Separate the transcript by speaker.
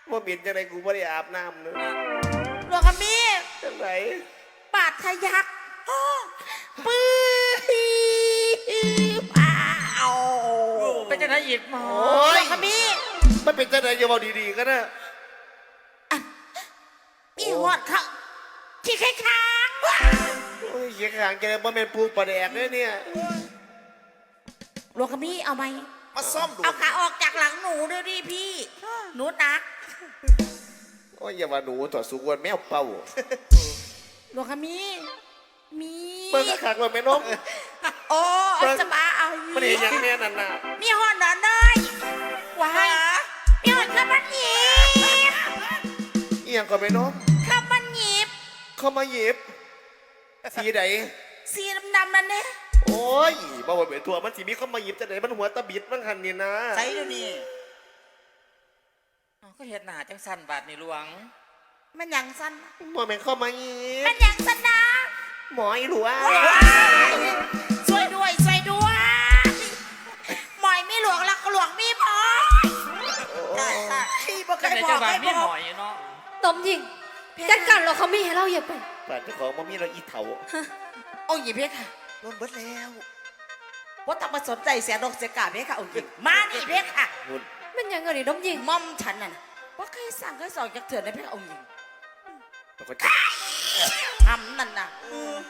Speaker 1: ว่าบินจังไรกูไม่ได้อาบน้ำเนอะ
Speaker 2: หลวงขมี้
Speaker 1: จังไร
Speaker 2: บาดทะยักปื้อ้าว
Speaker 3: เป็นจะได้อีกหมอ
Speaker 2: หลวงขมี้
Speaker 1: มันเป็นจังไรอย่าบอกดีๆก็นะ
Speaker 2: มีหอดเขาที่ค้าง
Speaker 1: โอ้ยเหี้ยขางแกว่าเป็นปูปลาแดกเนี่ย
Speaker 2: หลวงขมี้เอาไหม
Speaker 1: มาซ่อมดู
Speaker 2: เอาขาออกจากหลังหนูด้วยดิพี่หนูนัก
Speaker 1: โอ้ยอย่าว่าหนูถอดสุกวันแมวเป่า
Speaker 2: หลวงขมี้มี
Speaker 1: เมื่อขางวันแม่นม
Speaker 2: โอ้เอาจะบ้าเอา
Speaker 1: มันเห็นอย่างแม่นั่นน่ะ
Speaker 2: มีหอดหนอนเลยว้ายมีหอดข้าวมันหยิบ
Speaker 1: เอียงก่อนแม่นม
Speaker 2: ข้าวมันหยิบ
Speaker 1: เข้ามาหยิบสีไหน
Speaker 2: สีดำๆนั่นเนี่ย
Speaker 1: โอ้ยบ่าวเป็นตัวมันสีมีเข้ามาหยิบจังไหนมันหัวตะบิดมันหันนี่นะ
Speaker 4: ใส่เดี๋ยวนี้
Speaker 3: ก็เห็ดหนาจังสันบาทในหลวง
Speaker 2: มันหยังสั้น
Speaker 1: บ่แม่นเข้ามาหยิบ
Speaker 2: มันหยังสั้นนะ
Speaker 1: หมออีหลัว
Speaker 2: ช่วยด้วยช่วยด้วยหมอยมีหลวงแล้วก็หลวงมีหมอย
Speaker 4: ขี้บ่เค
Speaker 3: ก็
Speaker 4: ย
Speaker 3: ได้
Speaker 4: บอ
Speaker 3: จะ
Speaker 4: ก
Speaker 3: ว่า
Speaker 4: ให้
Speaker 3: มี
Speaker 4: บ
Speaker 3: หม
Speaker 4: อก
Speaker 3: อยเนาะ
Speaker 5: ตมยิงจัดการเราเขามีให้เราอย่าไป
Speaker 1: ป่านเจ้าของบ่มีเราอีเถา
Speaker 2: องค์หญิงเพคะ
Speaker 4: โดนเบิดแล้ว
Speaker 2: ว่าต้องมาสนใจเสียดอกเสียกาเพคะองค์หญิงมานี่เพคะ
Speaker 1: หุ่น
Speaker 5: มันยังไงดิน้มยิง
Speaker 2: ม่อมฉันน่ะนะว่าเคยสั่งเคยสอนจากเถื่อนในเพคะองค์หญิง
Speaker 1: แล้วก็
Speaker 2: ทำนั่นน่ะ